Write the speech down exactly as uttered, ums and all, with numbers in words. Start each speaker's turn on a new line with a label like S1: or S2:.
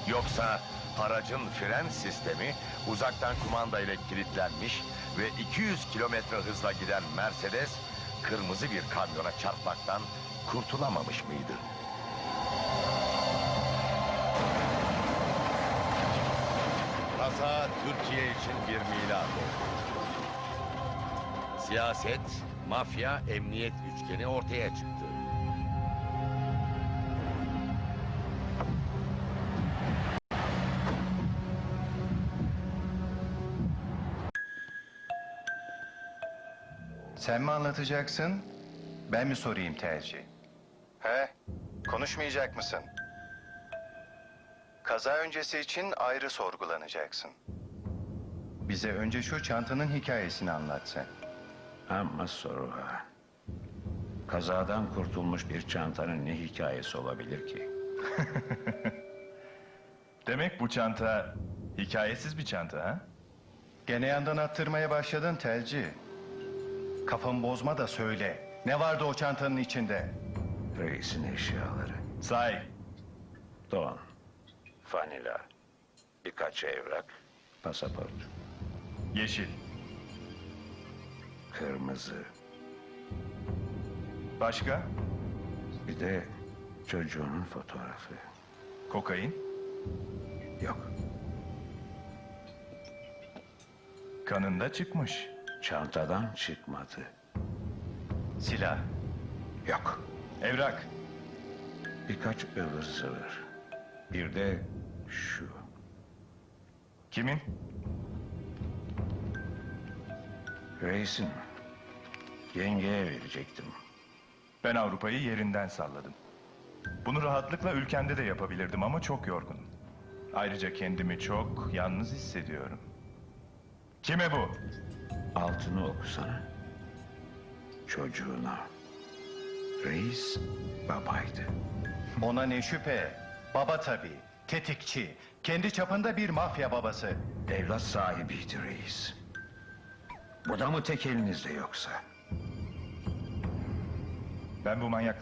S1: Yoksa aracın fren sistemi uzaktan kumanda ile kilitlenmiş ve iki yüz kilometre hızla giden Mercedes kırmızı bir kamyona çarpmaktan kurtulamamış mıydı? Kaza Türkiye için bir milat oldu. Siyaset, mafya, emniyet üçgeni ortaya çıktı.
S2: Sen mi anlatacaksın, ben mi sorayım tercih? He, konuşmayacak mısın? Kaza öncesi için ayrı sorgulanacaksın. Bize önce şu çantanın hikayesini anlat sen.
S3: Ama soru ha. Kazadan kurtulmuş bir çantanın ne hikayesi olabilir ki?
S4: Demek bu çanta hikayesiz bir çanta ha?
S2: Gene yandan attırmaya başladın telci. Kafamı bozma da söyle. Ne vardı o çantanın içinde?
S3: Reisin eşyaları.
S4: Say.
S3: Don, fanila, birkaç evrak, pasaport,
S4: Yeşil.
S3: kırmızı,
S4: Başka?
S3: bir de çocuğunun fotoğrafı.
S4: Kokain.
S3: Yok,
S4: Kanında çıkmış.
S3: çantadan çıkmadı.
S2: Silah.
S3: Yok,
S4: Evrak.
S3: birkaç ıvır zıvır. Bir de şu.
S4: Kimin?
S3: Reisin, yengeye verecektim.
S4: Ben Avrupa'yı yerinden salladım. Bunu rahatlıkla ülkemde de yapabilirdim ama çok yorgunum. Ayrıca kendimi çok yalnız hissediyorum. Kime bu?
S3: Altını okusana. Çocuğuna. Reis babaydı.
S2: Ona ne şüphe. Baba tabii. Tetikçi. Kendi çapında bir mafya babası.
S3: Evlat sahibiydi reis. Bu da mı tek elinizde yoksa?
S4: Ben bu manyakla